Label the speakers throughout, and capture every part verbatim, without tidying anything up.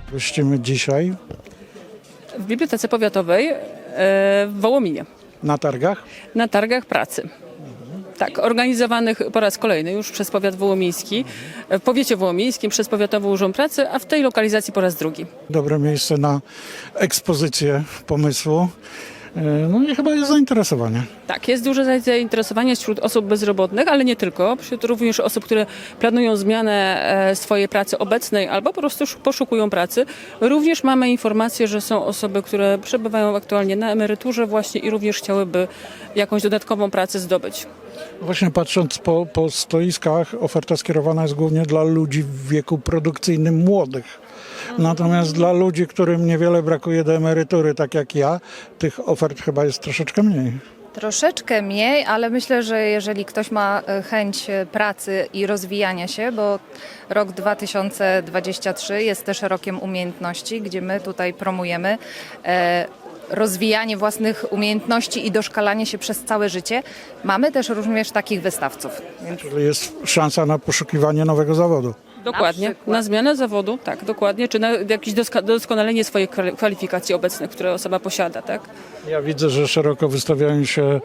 Speaker 1: Gościmy dzisiaj
Speaker 2: W Bibliotece Powiatowej e, w Wołominie,
Speaker 1: na targach.
Speaker 2: na targach pracy. Tak, organizowanych po raz kolejny już przez powiat wołomiński, w powiecie wołomińskim przez Powiatowy Urząd Pracy, a w tej lokalizacji po raz drugi.
Speaker 1: Dobre miejsce na ekspozycję pomysłu. E, No i chyba jest zainteresowanie.
Speaker 2: Tak, jest duże zainteresowanie wśród osób bezrobotnych, ale nie tylko, wśród również osób, które planują zmianę e, swojej pracy obecnej albo po prostu sz- poszukują pracy. Również mamy informację, że są osoby, które przebywają aktualnie na emeryturze właśnie i również chciałyby jakąś dodatkową pracę zdobyć.
Speaker 1: Właśnie patrząc po, po stoiskach, oferta skierowana jest głównie dla ludzi w wieku produkcyjnym młodych. Natomiast dla ludzi, którym niewiele brakuje do emerytury, tak jak ja, tych ofert chyba jest troszeczkę mniej.
Speaker 3: Troszeczkę mniej, ale myślę, że jeżeli ktoś ma e, chęć e, pracy i rozwijania się, bo rok dwa tysiące dwudziesty trzeci jest też rokiem umiejętności, gdzie my tutaj promujemy e, rozwijanie własnych umiejętności i doszkalanie się przez całe życie. Mamy też również takich wystawców. Więc
Speaker 1: Czyli jest szansa na poszukiwanie nowego zawodu.
Speaker 2: Dokładnie,
Speaker 3: przykład.
Speaker 2: na zmianę zawodu, tak, dokładnie, czy na jakieś doska- doskonalenie swojej kwali- kwalifikacji obecnych, które osoba posiada, tak?
Speaker 1: Ja widzę, że szeroko wystawiają się e,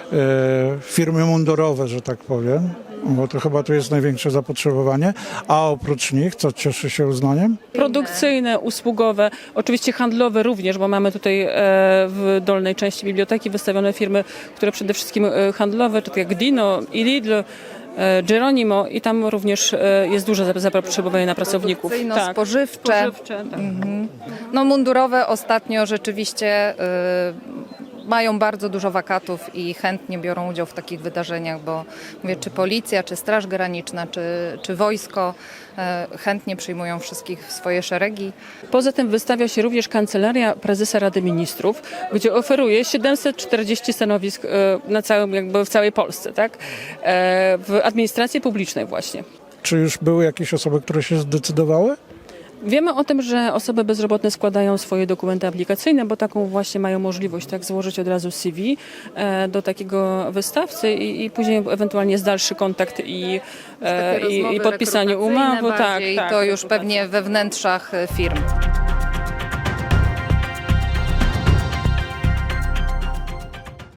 Speaker 1: firmy mundurowe, że tak powiem, bo to chyba tu jest największe zapotrzebowanie. A oprócz nich, co cieszy się uznaniem?
Speaker 2: Produkcyjne, usługowe, oczywiście handlowe również, bo mamy tutaj e, w dolnej części biblioteki wystawione firmy, które przede wszystkim e, handlowe, takie jak Dino i Lidl, e, Geronimo i tam również e, jest duże zapotrzebowanie na pracowników.
Speaker 3: produkcyjno-spożywcze.
Speaker 2: Spożywcze, tak.
Speaker 3: No mundurowe ostatnio rzeczywiście y, mają bardzo dużo wakatów i chętnie biorą udział w takich wydarzeniach, bo mówię, czy policja, czy Straż Graniczna, czy, czy wojsko y, chętnie przyjmują wszystkich w swoje szeregi.
Speaker 2: Poza tym wystawia się również Kancelaria Prezesa Rady Ministrów, gdzie oferuje siedemset czterdzieści stanowisk e, na całym, jakby w całej Polsce, tak? E, w administracji publicznej właśnie.
Speaker 1: Czy już były jakieś osoby, które się zdecydowały?
Speaker 2: Wiemy o tym, że osoby bezrobotne składają swoje dokumenty aplikacyjne, bo taką właśnie mają możliwość, tak, złożyć od razu C V e, do takiego wystawcy i, i później ewentualnie jest dalszy kontakt i, e,
Speaker 3: Takie
Speaker 2: i, i
Speaker 3: rozmowy
Speaker 2: podpisanie
Speaker 3: rekrutacyjne
Speaker 2: umowy. Tak,
Speaker 3: bardziej,
Speaker 2: tak,
Speaker 3: to już
Speaker 2: rekrutacja.
Speaker 3: pewnie we wnętrzach y, firm.